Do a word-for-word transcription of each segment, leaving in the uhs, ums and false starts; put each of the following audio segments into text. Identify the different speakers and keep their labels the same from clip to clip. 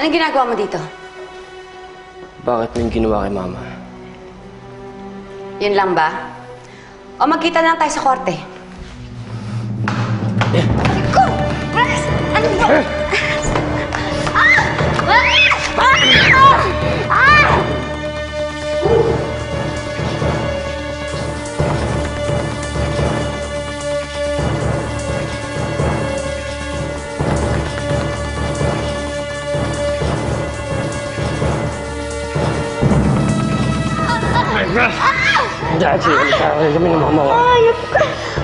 Speaker 1: Anong ginagawa mo dito?
Speaker 2: Bakit mo yung ginawa kay Mama?
Speaker 1: Yun lang ba? O magkita na lang tayo sa korte? Ko! Rex! Ano ba? Ah! Ah! Ah! Ah!
Speaker 2: Dahil siya, nagkakaroon kami ng mama ko.
Speaker 1: Ayop ka!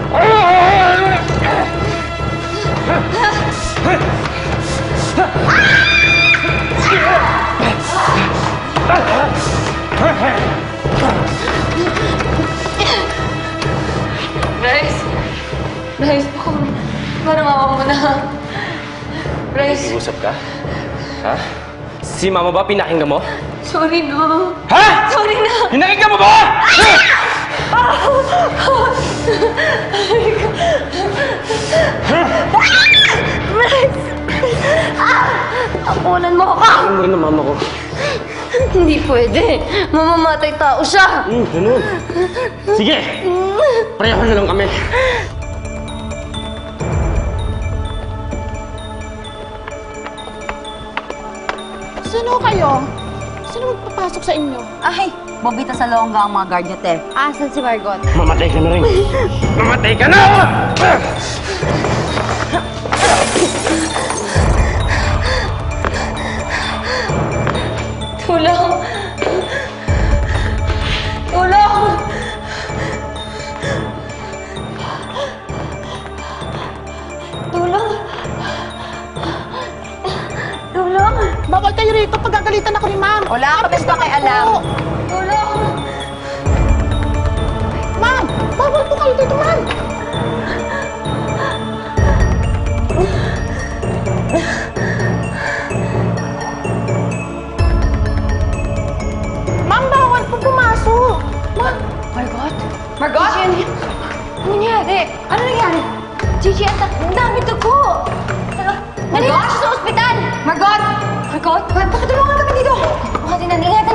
Speaker 1: Bryce! Bryce, baka parang awa mo na. Bryce,
Speaker 2: Nag-uusap ka? Ha? Si Mama ba pinakinggan mo?
Speaker 1: sorry no.
Speaker 2: Ha?
Speaker 1: Sorry na!
Speaker 2: Pinakinggan mo ba?
Speaker 1: Bryce! Ah! Tapunan mo ako!
Speaker 2: Alam mo rin ang mama ko.
Speaker 1: Hindi pwede. Mamamatay tao siya.
Speaker 2: Hmm, ganun. Sige! Pareho na lang kami.
Speaker 3: Sino kayo? Sino magpapasok sa inyo?
Speaker 1: Ay, bobita sa longga ang mga guard niya, te.
Speaker 3: Asan si Margot?
Speaker 2: Mamatay ka na rin. Mamatay ka na!
Speaker 1: Tulong! Tulong! Tulong! Tulong!
Speaker 3: Bawal kayo rito pag gagalitan ako ni ma'am.
Speaker 1: Wala ka bang pakialam.
Speaker 3: Po.
Speaker 1: Tulong!
Speaker 3: Ma'am! Bawal po kayo dito, ma'am! Ma'am, bawal po pumasok! Ma'am!
Speaker 1: Margot? Margot? Gigi, ano nangyari? Ano nangyari? Gigi, ang ta- ang dami dugo! Margot? Sa ospital! Margot! Margot? Bakit tulungan kami dito? Bakit na, ingat